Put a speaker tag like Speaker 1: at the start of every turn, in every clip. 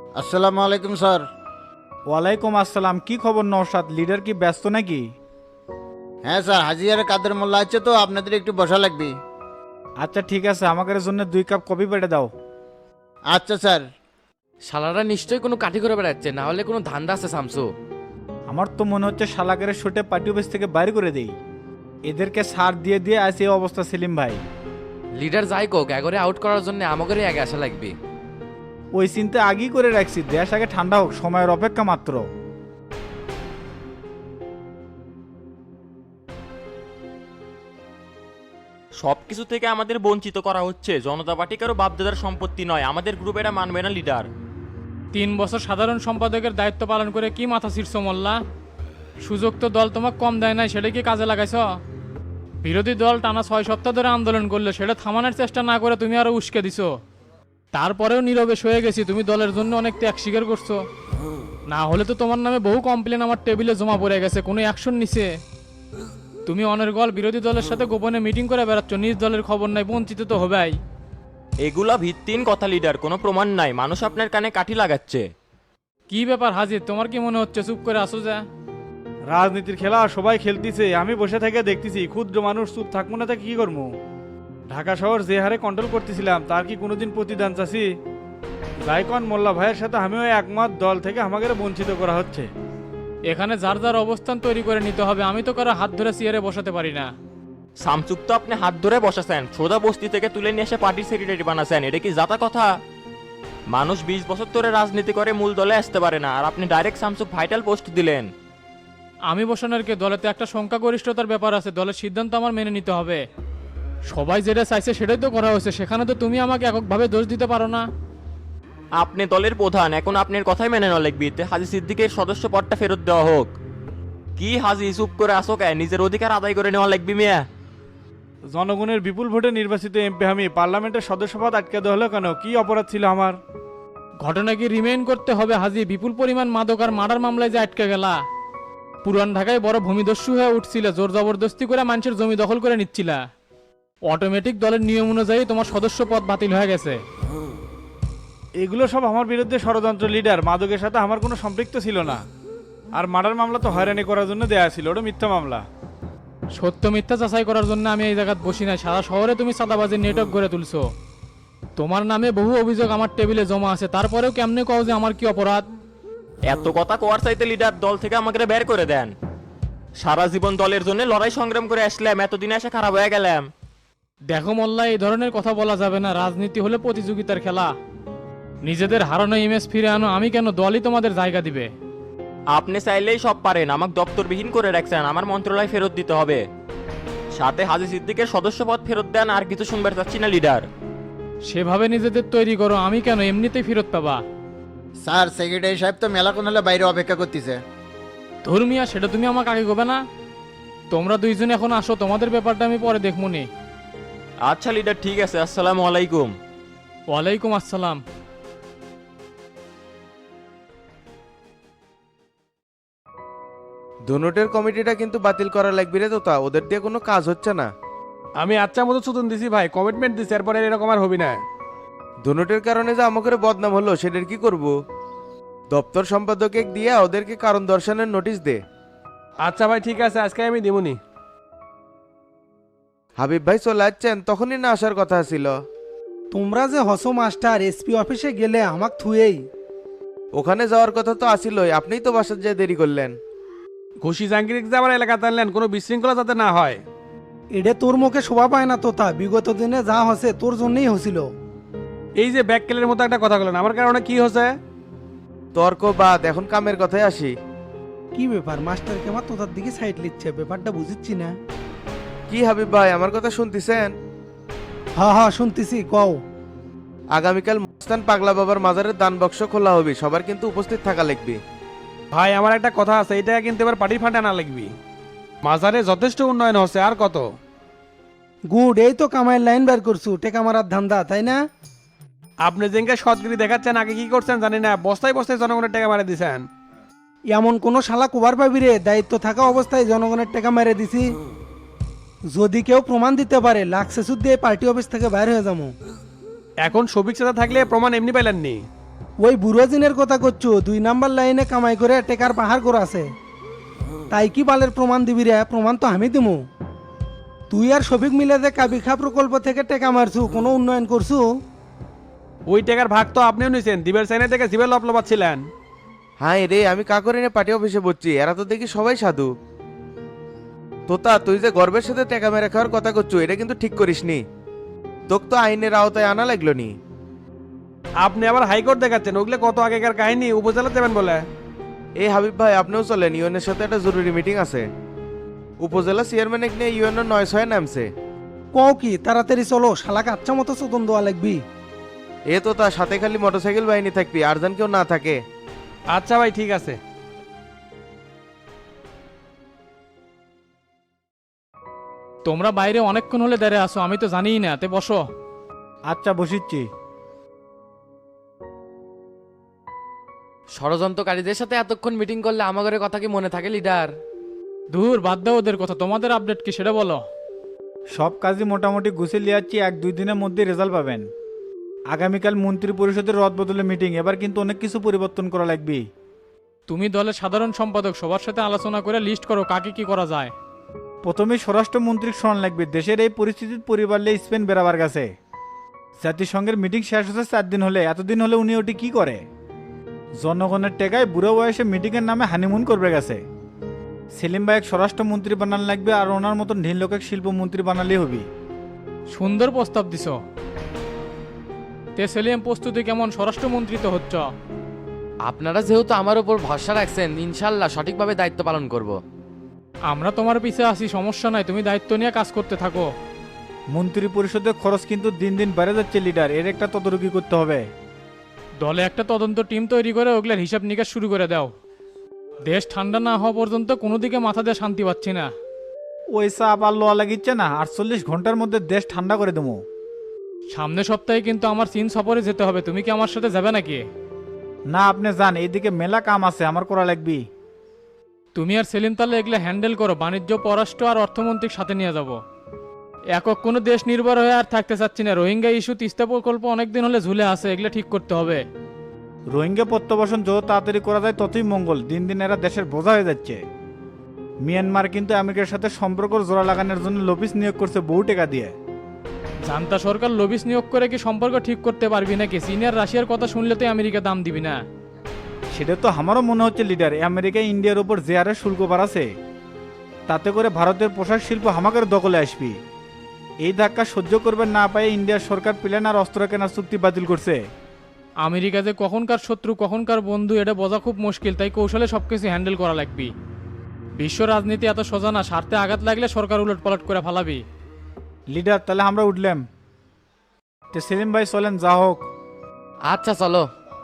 Speaker 1: আসসালামু আলাইকুম স্যার।
Speaker 2: ওয়ালাইকুম আসসালাম। কি খবর নওশাদ, লিডার কি ব্যস্ত নাকি?
Speaker 1: হ্যাঁ স্যার, হাজিয়ারে কাদের মোল্লা আছে তো আপনাদের একটু বসা লাগবে।
Speaker 2: আচ্ছা ঠিক আছে, আমাদের জন্য 2 কাপ কফি পেটে দাও।
Speaker 1: আচ্ছা স্যার।
Speaker 3: শালারা নিশ্চয়ই কোনো কাঠি করে বেড়াচ্ছে, না হলে কোনো ধান্দা আছে শামসু।
Speaker 2: আমার তো মনে হচ্ছে শালাকের শুটে পার্টি অফিস থেকে বাইরে করে দেই। এদেরকে সার দিয়ে দিয়ে আছে এই অবস্থা সেলিম ভাই।
Speaker 3: লিডার যাই কোক এগরে আউট করার জন্য আমাদেরই আগে আসা লাগবে।
Speaker 2: ওই চিন্তা আগেই করে রাখছি, দেশ আগে ঠান্ডা হোক, সময়ের অপেক্ষা মাত্র।
Speaker 4: সবকিছু থেকে আমাদের বঞ্চিত করা হচ্ছে। জনতা পার্টি কারো বাপদাদার সম্পত্তি নয়, আমাদের গ্রুপ এটা মানবে না লিডার।
Speaker 5: 3 বছর সাধারণ সম্পাদকের দায়িত্ব পালন করে কি মাথা ছিঁড়ছ মোল্লা? সুযোগ তো দল তোমাকে কম দেয় নাই, সেটা কি কাজে লাগাইছ? বিরোধী দল টানা 6 সপ্তাহ ধরে আন্দোলন করলো, সেটা থামানোর চেষ্টা না করে তুমি আরো উস্কে দিছো। তারপরেও নীরবে সয়ে গেছি, তুমি দলের জন্য অনেক ত্যাগ স্বীকার করছো। না হলে তো তোমার নামে বহু কমপ্লেন আমার টেবিলে জমা পড়ে গেছে, কোনো অ্যাকশন নিছে? তুমি অনর্গল বিরোধী দলের সাথে গোপনে মিটিং করে বেড়াচ্ছ, নিজ দলের খবর নাই, বঞ্চিত তো হবেই।
Speaker 4: এগুলা ভিত্তিহীন কথা লিডার, কোনো প্রমাণ নাই। মানুষ আপনার কানে কাঠি লাগাচ্ছে।
Speaker 5: কি ব্যাপার হাজির, তোমার কি মনে হচ্ছে চুপ করে আসো যা?
Speaker 2: রাজনীতির খেলা সবাই খেলতেছে, আমি বসে থেকে দেখতেছি। ক্ষুদ্র মানুষ চুপ থাকবো না, তা কি করবো? ঢাকা শহর যে হারে কন্ট্রোল করতেছিলাম তার কি কোনোদিন প্রতিদান চাচ্ছি? জাইকন মোল্লা ভাইয়ের সাথে আমিও একমত, দল থেকে আমাদের বঞ্চিত করা হচ্ছে।
Speaker 5: এখানে যার যার অবস্থান তৈরি করে নিতে হবে, আমি তো কারো হাত ধরে চেয়ারে বসাতে পারি না।
Speaker 4: সামচুক তো আপনি হাত ধরে বসাছেন, সোজা বস্তি থেকে তুলে নিয়ে এসে পার্টির সেক্রেটারি বানাছেন। এটা কি জাতা কথা? মানুষ 20 বছর ধরে রাজনীতি করে মূল দলে আসতে পারে না, আর আপনি ডাইরেক্ট সামচুক ভাইটাল পোস্ট দিলেন।
Speaker 5: আমি বসানোর কে, দলেতে একটা সংখ্যাগরিষ্ঠতার ব্যাপার আছে, দলের সিদ্ধান্ত আমার মেনে নিতে হবে। সবাই যেটা চাইছে সেটাই তো করা হয়েছে, সেখানে তো তুমি আমাকে এককভাবে দোষ দিতে পারো না।
Speaker 4: আপনি দলের প্রধান, এখন আপনার কথাই মেনে নেওয়া লাগবে। হাজি সিদ্দিকের সদস্য পদটা ফেরত দেওয়া হোক। কি হাজি চুপ করে আসো কে? নিজের অধিকার আদায় করে নেওয়া লাগবে মিয়া।
Speaker 2: জনগণের বিপুল ভোটে নির্বাচিত এমপি আমি, পার্লামেন্টের সদস্যপদ আটকে দেওয়া হলো কেন? কি অপরাধ ছিল আমার?
Speaker 5: ঘটনা কি রিমেইন করতে হবে হাজি? বিপুল পরিমাণ মাদক আর মার্ডার মামলায় যে আটকে গেলা। পুরান ঢাকায় বড় ভূমিদস্যু হয়ে উঠছিল, জোর জবরদস্তি করে মানুষের জমি দখল করে নিচ্ছিলা। অটোমেটিক দলের নিয়ম অনুযায়ী তোমার সদস্য পদ বাতিল হয়ে গেছে।
Speaker 2: এগুলো সব আমার বিরুদ্ধে ষড়যন্ত্র লিডার। মাদকের সাথে আমার কোনো সম্পৃক্ত ছিল না। আর মার্ডার মামলা তো হয়রানি করার জন্য দেয়া ছিল, ওটা মিথ্যা মামলা।
Speaker 5: সত্য মিথ্যা যাচাই করার জন্য আমি এই জায়গায় বসি নাই। সারা শহরে তুমি চাঁদাবাজির নেটওয়ার্ক গড়ে তুলছো। তোমার নামে বহু অভিযোগ আমার টেবিলে জমা আছে, তারপরেও কেমনে কও যে আমার কি অপরাধ?
Speaker 4: এত কথা কোয়ার চাইতে লিডার দল থেকে আমাকে বের করে দেন। সারা জীবন দলের জন্য লড়াই সংগ্রাম করে আসলাম, এতদিনে এসে খারাপ হয়ে গেলাম।
Speaker 5: দেখো মোল্লা, এই ধরনের কথা বলা যাবে না। রাজনীতি হলে প্রতিযোগিতার খেলা। নিজেদের হারানো ইমেজ ফিরে আনো, আমি কেন, দলই তোমাদের জায়গা দিবে।
Speaker 4: আপনি চাইলেই সব পারেন, আমাকে দপ্তরবিহীন করে রাখছেন। আমার মন্ত্রণালয় ফেরত দিতে হবে, সাথে হাজি সিদ্দিকের সদস্যপদ ফেরত দেন। আর কিছু শুনবার চাচ্ছি না লিডার।
Speaker 5: সেভাবে নিজেদের তৈরি করো, আমি কেন, এমনিতেই ফেরত পাবা।
Speaker 1: স্যার, সেক্রেটারি সাহেব তো মেলাক্ষণ হলে বাইরে অপেক্ষা করতেছে।
Speaker 5: ধর্মিয়া, সেটা তুমি আমাকে আগে কবে না? তোমরা দুইজন এখন আসো, তোমাদের ব্যাপারটা আমি পরে দেখমুনি।
Speaker 4: আচ্ছা লিডার, ঠিক আছে। আসসালামু আলাইকুম।
Speaker 5: ওয়ালাইকুম আসসালাম।
Speaker 6: ধনুটের কমিটিটা কিন্তু বাতিল করা লাগবে রে তোতা, ওদের দিয়ে কোনো কাজ হচ্ছে না।
Speaker 7: আমি আচ্ছা মতো সুতন দিছি ভাই, কমিটমেন্ট দিছি, এরপরে এরকম আর হবি না।
Speaker 6: ধনুটের কারণে যে আমাকে বদনাম হলো, সেটার কি করব? দপ্তর সম্পাদকে দিয়ে ওদেরকে কারণ দর্শানোর নোটিশ দে।
Speaker 7: আচ্ছা ভাই ঠিক আছে, আজকে আমি দিমুনি।
Speaker 6: হাবিব ভাই চলে যাচ্ছেন, তখনই না আসার কথা ছিল।
Speaker 8: তোমরা যে হসো মাস্টার, এসপি অফিসে গেলে আমাক থুয়েই।
Speaker 6: ওখানে যাওয়ার কথা তো আসিলই, আপনিই তো বাসার যেয়ে দেরি করলেন।
Speaker 7: ঘুষি জাঙ্গিরিক যে আবার এলাকাতে আনলেন, কোনো বিশৃঙ্খলা যাতে না হয়।
Speaker 8: এডে তোর মুখে শোভা পায় না তোতা, বিগত দিনে যা হসে তোর জন্যই হছিল।
Speaker 7: এই যে ব্যাককেলের মতো একটা কথা বলেন, আমার কারণে কি হচ্ছে?
Speaker 6: তর্ক বাদ, এখন কামের কথায় আসি।
Speaker 8: কি ব্যাপার, মাস্টারকে আমার তোতার দিকে সাইড লিচ্ছে, ব্যাপারটা বুঝিচ্ছি না।
Speaker 6: কি হাবিব ভাই, আমার কথা শুনতেছেন?
Speaker 8: হ্যাঁ হ্যাঁ শুনতেছি, কও।
Speaker 6: আগামীকাল মস্তান পাগলা বাবার মাজারের দান বাক্স খোলা হবে, সবার কিন্তু উপস্থিত থাকা লাগবে।
Speaker 7: ভাই আমার একটা কথা আছে, এটা কিন্তু এবার পার্টির ফান্ডে না লাগবি। মাজারে যথেষ্ট উন্নয়ন হচ্ছে, আর কত?
Speaker 8: গুড, এই তো কামাইয়ের লাইন বের করছু, টেকা মারার ধান্দা, তাই না?
Speaker 7: আপনি যেঙ্গে সৎগিরি দেখাচ্ছেন, আগে কি করছেন জানি না, বস্তায় বস্তায় জনগণের টাকা মারা দিছেন।
Speaker 8: এমন কোন শালা কুবার পাবি রে, দায়িত্ব থাকা অবস্থায় জনগণের টাকা মেরে দিছি। যদি কেউ প্রমাণ দিতে পারে, লাক্সে সুদ দিয়ে পার্টি অফিস থেকে বাইরে হয়ে যাবো।
Speaker 7: এখন সবিক সাথে থাকলে প্রমাণ এমনি পাইলেননি।
Speaker 8: ওই বুড়ো জিনের কথা করছো, 2 নাম্বার লাইনে কামাই করে টেকার পাহাড় করে আছে। তাই কি বালের প্রমাণ দিবি রে? প্রমাণ তো আমি দিমু। তুই আর শফিক মিলে যে কাবিখা প্রকল্প থেকে টেকা মারছু, কোনো উন্নয়ন করছু?
Speaker 7: ওই টাকার ভাগ তো আপনিও নিছেন, দিবের সাইনে থেকে জিবের লপলপাচ্ছিলেন।
Speaker 6: হ্যাঁ রে, আমি কাকরিনে পার্টি অফিসে বসছি, এরা তো দেখি সবাই সাধু। তোতা, তুই যে গর্বের সাথে টাকা মেরে খাওয়ার কথা করছো, এটা কিন্তু ঠিক করিসনি। তোকে তো আইনের আওতায় আনা লাগলো নি।
Speaker 7: আপনি আবার হাইকোর্ট দেখাচ্ছেন, ওগুলো কত আগেকার কাহিনী, উপজেলা দেবেন বলে।
Speaker 6: এই হাবিব ভাই, আপনিও চলেন, ইউএনের সাথে একটা জরুরি মিটিং আছে। উপজেলা চেয়ারম্যান নিয়ে ইউএনের 9-6 নামছে।
Speaker 8: কও কি, তাড়াতাড়ি চলো, শালাকে আচ্ছা মতো চোদন দেওয়া লাগবি।
Speaker 6: এ তো তার সাথে খালি মোটরসাইকেল বাহিনী থাকবি, আর যেন কেউ না থাকে।
Speaker 7: আচ্ছা ভাই, ঠিক আছে।
Speaker 5: তোমরা বাইরে অনেকক্ষণ হলে দাঁড়িয়ে আসো, আমি তো জানিই না, তে বসো।
Speaker 2: আচ্ছা বসিচ্ছি।
Speaker 3: ষড়যন্ত্রকারীদের সাথে এতক্ষণ মিটিং করলে আমাদের কথা কি মনে থাকে লিডার?
Speaker 5: দূর বাদ দাও ওদের কথা, তোমাদের আপডেট কি সেটা বলো।
Speaker 2: সব কাজই মোটামুটি গুছিয়ে লিয়াচ্ছি, 1-2 দিনের মধ্যে রেজাল্ট পাবেন। আগামীকাল মন্ত্রী পরিষদের রদ বদলে মিটিং, এবার কিন্তু অনেক কিছু পরিবর্তন করা লাগবে।
Speaker 5: তুমি দলের সাধারণ সম্পাদক, সবার সাথে আলোচনা করে লিস্ট করো কাকে কি করা যায়।
Speaker 2: প্রথমে স্বরাষ্ট্রমন্ত্রীর শরণ লাগবে, দেশের এই পরিস্থিতির পরিবারলে স্পেন বেরাবার গেছে। জাতিসংঘের মিটিং শেষ হচ্ছে 4 দিন হলে, এতদিন হলে উনি ওটি কি করে? জনগণের টেকায় বুড়ো বয়সে মিটিংয়ের নামে হানিমুন করবে গেছে। সেলিম ভাই স্বরাষ্ট্রমন্ত্রী বানান লাগবে, আর ওনার মতন ঢিল লোকে শিল্পমন্ত্রী বানালেই হবে।
Speaker 5: সুন্দর প্রস্তাব দিছ। তে সেলিম, প্রস্তুতি কেমন? স্বরাষ্ট্রমন্ত্রী তো হচ্ছ।
Speaker 3: আপনারা যেহেতু আমার উপর ভরসা রাখছেন, ইনশাল্লাহ সঠিকভাবে দায়িত্ব পালন করব।
Speaker 5: আমরা তোমার পিছে আছি, সমস্যা নাই, তুমি দায়িত্ব নিয়ে কাজ করতে থাকো।
Speaker 2: মন্ত্রী পরিষদের খরচ কিন্তু দিন দিন বেড়ে যাচ্ছে লিডার, এর একটা তদারকি করতে হবে।
Speaker 5: দলে একটা তদন্ত টিম তৈরি করে ওগুলার হিসাব নিকাশ শুরু করে দাও। দেশ ঠান্ডা না হওয়া পর্যন্ত কোনো দিকে মাথা দিয়ে শান্তি পাচ্ছি না।
Speaker 2: ওই চাপ আর লোয়া লাগিচ্ছে না, 48 ঘন্টার মধ্যে দেশ ঠান্ডা করে দেবো।
Speaker 5: সামনের সপ্তাহে কিন্তু আমার চীন সফরে যেতে হবে, তুমি কি আমার সাথে যাবে নাকি?
Speaker 2: না, আপনি যান, এইদিকে মেলা কাম আছে আমার করা লাগবে।
Speaker 5: তুমি আর সেলিম তাহলে এগুলো হ্যান্ডেল করো, বাণিজ্য, পররাষ্ট্র আর অর্থমন্ত্রীর সাথে নিয়ে যাব। একক কোনো দেশ নির্ভর হয়ে আর থাকতে চাচ্ছি না। রোহিঙ্গা ইস্যু, তিস্তা প্রকল্প অনেকদিন হলে ঝুলে আছে, এগুলো ঠিক করতে হবে।
Speaker 2: রোহিঙ্গা প্রত্যাবাসন যত তাড়াতাড়ি করা যায় ততই মঙ্গল, দিন দিন এরা দেশের বোঝা হয়ে যাচ্ছে। মিয়ানমার কিন্তু আমেরিকার সাথে সম্পর্ক জোড়া লাগানোর জন্য লবিস নিয়োগ করছে বহু টাকা দিয়ে।
Speaker 5: জান্তা সরকার লবিস নিয়োগ করে কি সম্পর্ক ঠিক করতে পারবি নাকি? চীন আর রাশিয়ার কথা শুনলে তো আমেরিকা দাম দিবি না।
Speaker 2: সেটা তো আমারও মনে হচ্ছে লিডার, আমেরিকা ইন্ডিয়ার উপর যে হারে শুল্ক বাড়াছে, তাতে করে ভারতের পোশাক শিল্প হামাকের দখলে আসবি। এই ধাক্কা সহ্য করবে না পায়ে ইন্ডিয়ার সরকার প্লেন আর অস্ত্র কেনার চুক্তি বাতিল করছে।
Speaker 5: আমেরিকা যে কখনকার শত্রু কখনকার বন্ধু এটা বোঝা খুব মুশকিল, তাই কৌশলে সবকিছু হ্যান্ডেল করা লাগবে। বিশ্ব রাজনীতি এত সোজা না, স্বার্থে আঘাত লাগলে সরকার উলটপালট করে ফালাবি।
Speaker 2: লিডার, তাহলে আমরা উঠলাম। তো সেলিম ভাই চলেন, যা হোক।
Speaker 3: আচ্ছা চলো।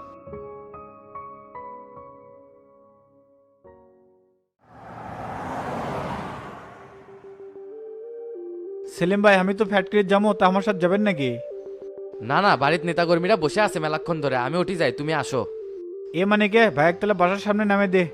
Speaker 2: সেলিম ভাই, আমি তো ফ্যাক্টরির যাবো, তা আমার সাথে যাবেন নাকি?
Speaker 3: না না, বাড়ির নেতাকর্মীরা বসে আছে মেলাক্ষণ ধরে, আমি উঠি যাই, তুমি আসো।
Speaker 2: এ মানে কে ভাই, তাহলে বাসার সামনে নামে দে।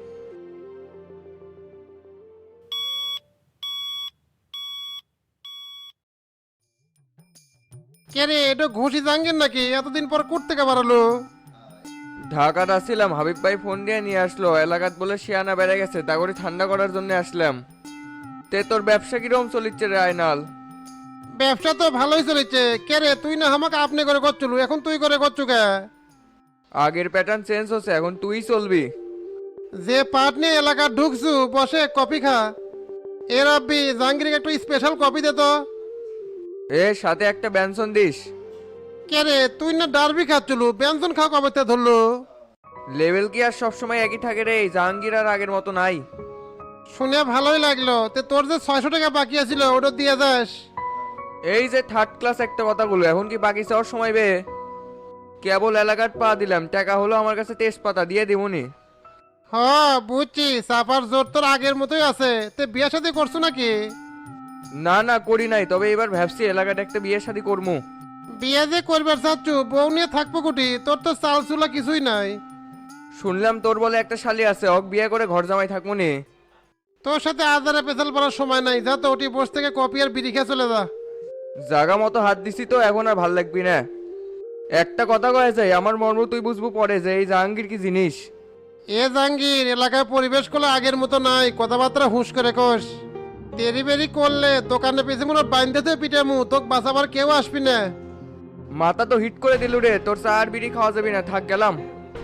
Speaker 9: কে রে, এটা ঘুষি জাঙ্গেন নাকি? এতদিন পর কোথা থেকে বাড়ালো?
Speaker 10: ঢাকাত আসছিলাম, হাবিব ভাই ফোন দিয়ে নিয়ে আসলো, এলাকাত বলে শিয়ানা বেড়ে গেছে, তা করে ঠান্ডা করার জন্য আসলাম। তে তোর ব্যবসা কিরকম চলিচ্ছে রে আয়নাল?
Speaker 9: ব্যবসা তো ভালোই চলেছে। কে রে, তুই না আমাকে আপনি করে করছিল, এখন তুই করে করছু কে?
Speaker 10: আগের প্যাটার্ন চেঞ্জ হচ্ছে, এখন তুই চলবি।
Speaker 9: যে পাট নিয়ে এলাকা ঢুকছু, বসে কফি খা। এ রাব্বি, জাহাঙ্গীরকে একটু স্পেশাল কফি দে তো।
Speaker 10: এ সাথে একটা ব্যঞ্জন দিস।
Speaker 9: কে রে, তুই না ডারবি খাচ্ছিল, ব্যঞ্জন খাওয়া কবে তে ধরলো?
Speaker 10: লেভেল কি আর সবসময় একই থাকে রে? জাহাঙ্গীর আর আগের মতো নাই।
Speaker 9: শুনে ভালোই লাগলো। তে তোর যে 600 টাকা বাকি আছিল ওটা দিয়ে যাস।
Speaker 10: এই যে থার্ড ক্লাস একটা কথাগুলো, এখন কি বাকি চাওয়ার সময় বে? কেবল এলাকার পা দিলাম, টাকা হলো আমার কাছে তেজপাতা, দিয়ে দিবনি।
Speaker 9: হ, বুঝছি, চাপার জোর তোর আগের মতোই আছে। তে বিয়ে শাদী করছো নাকি?
Speaker 10: না না, করি নাই, তবে এবার ভাবছি এলাকাটা একটা বিয়ে শাদী করবো।
Speaker 9: বিয়ে যে করবার চাচ্ছু, বউ নিয়ে থাকবো কুটি? তোর তো চাল চুলা কিছুই নাই।
Speaker 10: শুনলাম তোর বলে একটা শালি আছে, অক বিয়ে করে ঘর জামাই থাকবো নি।
Speaker 9: তোর সাথে আজারে পেছাল পড়ার সময় নাই, যা তো ওটি বস থেকে কপি আর বিড়ি খেয়ে চলে যা।
Speaker 10: জাগা মতো হাত দিছি তো, এখন আর ভাল লাগবি না। একটা কথা কয়েছে আমার মর্ম তুই বুঝবো পরে যে এই জাহাঙ্গীর কি জিনিস।
Speaker 9: এ জাহাঙ্গীর, এলাকার পরিবেশ গুলো আগের মতো নাই, কথাবার্তা হুঁশ করে কোষ। তেরি বেরি করলে দোকানে পিছিয়ে মনে বাইন্ধেতে পিটামু, তোকে বাঁচাবার কেউ আসবি না।
Speaker 10: মাথা তো হিট করে দিলু রে, তোর চা আর বিড়ি খাওয়া যাবি না, থাক গেলাম।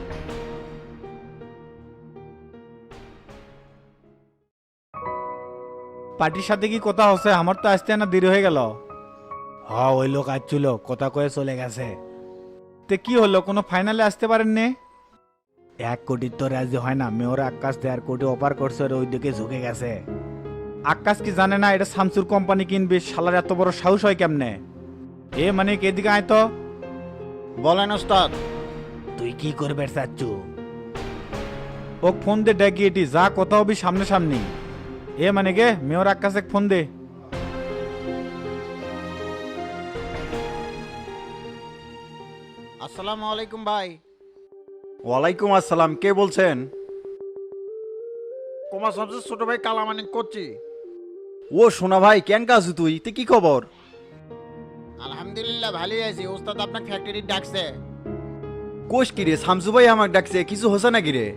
Speaker 2: পার্টির সাথে কি কথা হচ্ছে? আমার তো আসতে না দেরি হয়ে গেল। হ্যাঁ, ওই লোক আসছিল, কথা কয়ে চলে গেছে। তে কি হলো, কোনো ফাইনালে আসতে পারেননি? 1 কোটি তো রাজি হয় না, মেয়র আকাশ 1.5 কোটি অফার করছে, ওই দিকে ঝুঁকে গেছে। আকাশ কি জানে না এটা শামসুর কোম্পানি কিনবে? শালার এত বড় সাহস হয় কেমনে? এ মানে এদিকে আয় তো।
Speaker 1: বলেন ওস্তাদ।
Speaker 2: তুই কি করবে চাচ্ছু? ও ফোন দে ডাকিয়েটি, যা কথা হবি সামনে সামনি। এ মানে গে মেয়র আকাশে ফোন দে।
Speaker 1: আসসালামু আলাইকুম ভাই।
Speaker 11: ওয়ালাইকুম আসসালাম, কে বলছেন? কুমার শামসুর ছোট ভাই কালামানিক করছি। ও সোনা ভাই, কেন কাজু তুই কি খবর?
Speaker 1: আলহামদুলিল্লাহ ভালোই আছি। ওস্তাদ আপনার ফ্যাক্টরি ডাকছে।
Speaker 11: কোষ কি রে, শামসু ভাই আমাকে ডাকছে, কিছু হচ্ছে নাকি রে?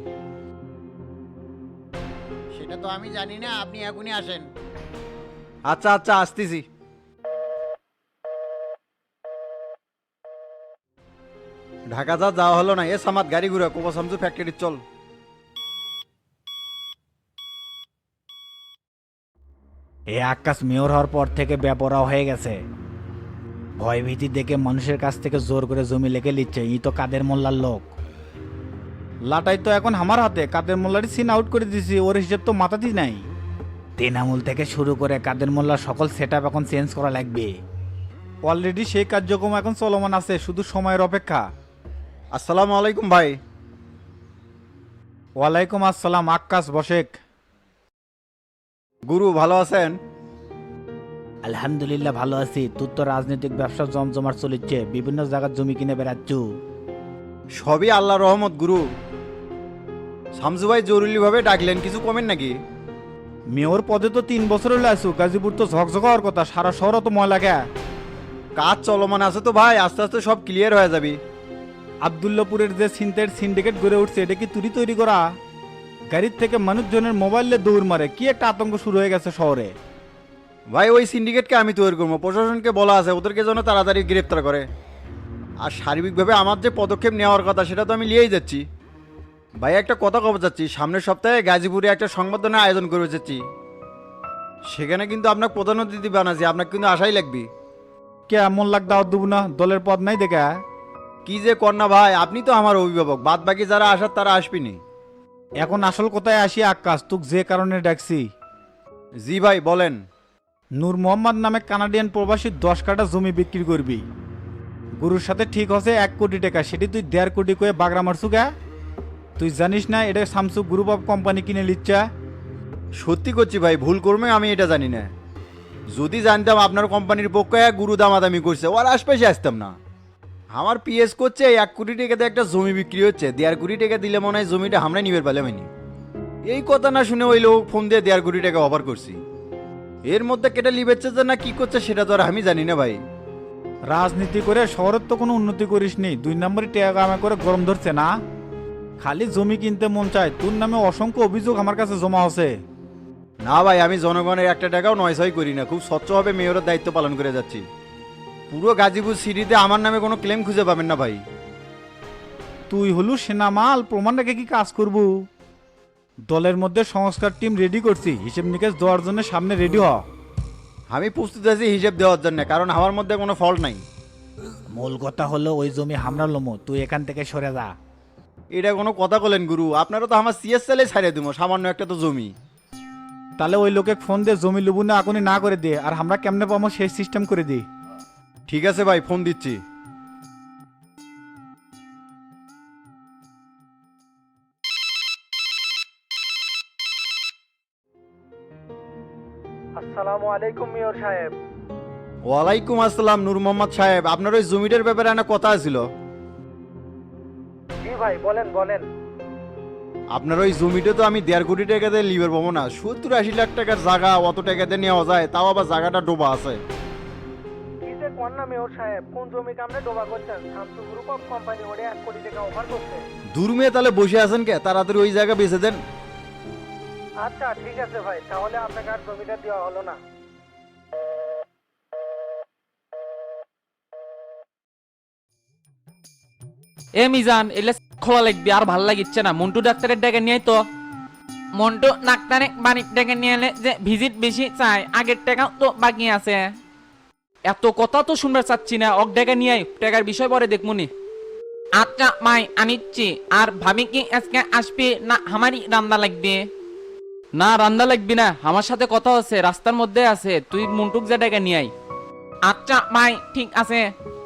Speaker 1: সেটা তো আমি জানি না, আপনি এখনই আসেন।
Speaker 11: আচ্ছা আচ্ছা, আসতেছি। ঢাকা যাওয়া হলো না, এ সামাদ গাড়ি ঘুরা কোপা শামসু ফ্যাক্টরি চল।
Speaker 2: এ আকাশ মেয়র হওয়ার পর থেকে বেপরা হয়ে গেছে। ভয়ভীতি দেখে মানুষের কাছ থেকে জোর করে জমি লেগে নিচ্ছে। ই তো কাদের মোল্লার লোক। লাটাই তো এখন আমার হাতে, কাদের মোল্লারই সিন আউট করে দিছি, ওর হিসেব তো মাথাতেই নাই। তেনামূল থেকে শুরু করে কাদের মোল্লার সকল সেট আপ এখন চেঞ্জ করা লাগবে। অলরেডি সেই কার্যক্রম এখন চলমান আছে, শুধু সময়ের অপেক্ষা।
Speaker 11: আসসালামু আলাইকুম ভাই।
Speaker 2: ওয়ালাইকুম আসসালাম। আকাশ বসেক।
Speaker 11: গুরু ভালো আছেন?
Speaker 2: আলহামদুলিল্লাহ ভালো আছি। তোর তো রাজনৈতিক ব্যবসা জমজমার চলিচ্ছে, বিভিন্ন জায়গার জমি কিনে বেড়াচ্ছু।
Speaker 11: সবই আল্লাহ রহমত গুরু। শামসু ভাই জরুরি ভাবে ডাকলেন, কিছু কমেন নাকি?
Speaker 2: মেয়র পদে তো 3 বছর হলে আসু, গাজীপুর তো ঝকঝক হওয়ার কথা, সারা শহর তো ময়লা গে।
Speaker 11: কাজ চলমান আছে তো ভাই, আস্তে আস্তে সব ক্লিয়ার হয়ে যাবে।
Speaker 2: আবদুল্লাপুরের যে ছিনতাইয়ের সিন্ডিকেট গড়ে উঠছে, এটা কি তুই তৈরি করা? গাড়ির থেকে মানুষজনের মোবাইলে দৌড় মারে, কি একটা আতঙ্ক শুরু হয়ে গেছে শহরে।
Speaker 11: ভাই ওই সিন্ডিকেটকে আমি তৈরি করবো, প্রশাসনকে বলা আছে ওদেরকে যেন তাড়াতাড়ি গ্রেপ্তার করে। আর সার্বিকভাবে আমার যে পদক্ষেপ নেওয়ার কথা সেটা তো আমি নিয়েই যাচ্ছি। ভাই একটা কথা কব যাচ্ছি, সামনের সপ্তাহে গাজীপুরে একটা সংবর্ধনার আয়োজন করে যাচ্ছি। সেখানে কিন্তু আপনার প্রধান অতিথি বানাচ্ছি, আপনাকে কিন্তু আশাই লাগবে।
Speaker 2: কে এমন লাগ দাওয়াত দেবো না? দলের পদ নাই দেখা।
Speaker 11: কি যে কন্যা ভাই, আপনি তো আমার অভিভাবক, বাদ বাকি যারা আসার তারা আসবেনি।
Speaker 2: এখন আসল কোথায় আসি আকাশ, তুক যে কারণে ডাকছি।
Speaker 11: জি ভাই বলেন।
Speaker 2: নূর মোহাম্মদ নামে কানাডিয়ান প্রবাসী 10 কাঠা জমি বিক্রি করবি। গুরুর সাথে ঠিক হচ্ছে 1 কোটি টাকা, সেটি তুই 1.5 কোটি করে বাগড়া মারছু গা। তুই জানিস না এটা স্যামসু গ্রুপ অফ কোম্পানি কিনে লিচ্ছা?
Speaker 11: সত্যি করছি ভাই, ভুল করবে আমি এটা জানি না। যদি জানতাম আপনার কোম্পানির পক্ষে গুরু দামাদামি করছে, ওর আশপাশে আসতাম না। আমার পিএস করছে 1 কোটি টাকাতে একটা জমি বিক্রি হচ্ছে, 1.5 কোটি টাকা দিলে মনে হয় জমিটা আমরা নিবে পালে মানি। এই কথা না শুনে ওই লোক ফোন দিয়ে 1.5 কোটি টাকা অফার করছি। এর মধ্যে কেটে লিবেচ্ছে যে না কি করছে সেটা তো আর আমি জানি না ভাই।
Speaker 2: রাজনীতি করে শহরের তো কোনো উন্নতি করিসনি, 2 নম্বরই টাকা কামা করে গরম ধরছে না। খালি জমি কিনতে মন চায়, তোর নামে অসংখ্য অভিযোগ আমার কাছে জমা আছে।
Speaker 11: না ভাই, আমি জনগণের একটা টাকাও নয়ছয় করি না, খুব স্বচ্ছভাবে মেয়রের দায়িত্ব পালন করে যাচ্ছি। পুরো গাজীপুর সিটিতে আমার নামে কোনো ক্লেম খুঁজে পাবেন না ভাই।
Speaker 2: তুই হলু সেনামাল, প্রমাণ রেখে কি কাজ করব? দলের মধ্যে সংস্কার টিম রেডি করছি, হিসেব নিকেশ দেওয়ার জন্য সামনে রেডি হ।
Speaker 11: আমি প্রস্তুত আছি হিসেব দেওয়ার জন্য, কারণ আমার মধ্যে কোনো ফল্ট নাই।
Speaker 2: মূল কথা হলো ওই জমি হামরা লমো, তুই এখান থেকে সরে যা।
Speaker 11: এটা কোনো কথা বলেন গুরু, আপনারা তো আমার সিএস সেলে ছাড়িয়ে দিব, সামান্য একটা তো জমি।
Speaker 2: তাহলে ওই লোকে ফোন দিয়ে জমি লুবু না এখনই না করে দে, আর আমরা কেমনে পাবো সেই সিস্টেম করে দিই।
Speaker 11: ঠিক আছে ভাই, ফোন দিচ্ছি।
Speaker 8: আসসালামু আলাইকুম মেয়র সাহেব।
Speaker 11: ওয়ালাইকুম আসসালাম নূর মোহাম্মদ সাহেব, আপনার ওই জমিটার ব্যাপারে একটা কথা ছিল।
Speaker 8: জি ভাই বলেন বলেন।
Speaker 11: আপনার ওই জমিটা তো আমি 1.5 কোটি টাকা দিয়ে লিবার পাবো না, 70-80 লাখ টাকার জায়গা, অত টাকা দিয়ে নেওয়া যায়? তাও আবার জায়গাটা ডোবা আছে।
Speaker 8: কি যে কোন না মেয়র সাহেব, কোন জমি কামনে ডোবা করছেন? শামসু গ্রুপ অফ কোম্পানি ওরে 1 কোটি টাকা অফার করছে।
Speaker 11: দূর মেয়ে তাহলে বসে আছেন কে, তাড়াতাড়ি ওই জায়গা বেচে দেন।
Speaker 8: আচ্ছা ঠিক আছে ভাই, তাহলে আপনাকে আর জমিটা দেওয়া হলো না।
Speaker 3: এ মিজান এলে খোলা লাগবে, আর ভাল লাগিচ্ছে না। মন্টু ডাক্তারের ডেকে নিয়ে তো। মন্টু ডাক্তারে বাড়ির ডেকে নিয়ে এলে যে ভিজিট বেশি চাই, আগের টাকাও তো বাকি আছে। এত কথা তো শুনবার চাচ্ছি না, অক ডেকে নিয়ে টাকার বিষয় পরে দেখমুনি। আচ্ছা মাই আনিচ্ছি। আর ভাবি কি আজকে আসবে না আমারই রান্না লাগবে? না রান্না লাগবি না, আমার সাথে কথা আছে, রাস্তার মধ্যে আছে, তুই মন্টুক যা ডেকে নিয়ে আয়। আচ্ছা মাই ঠিক আছে।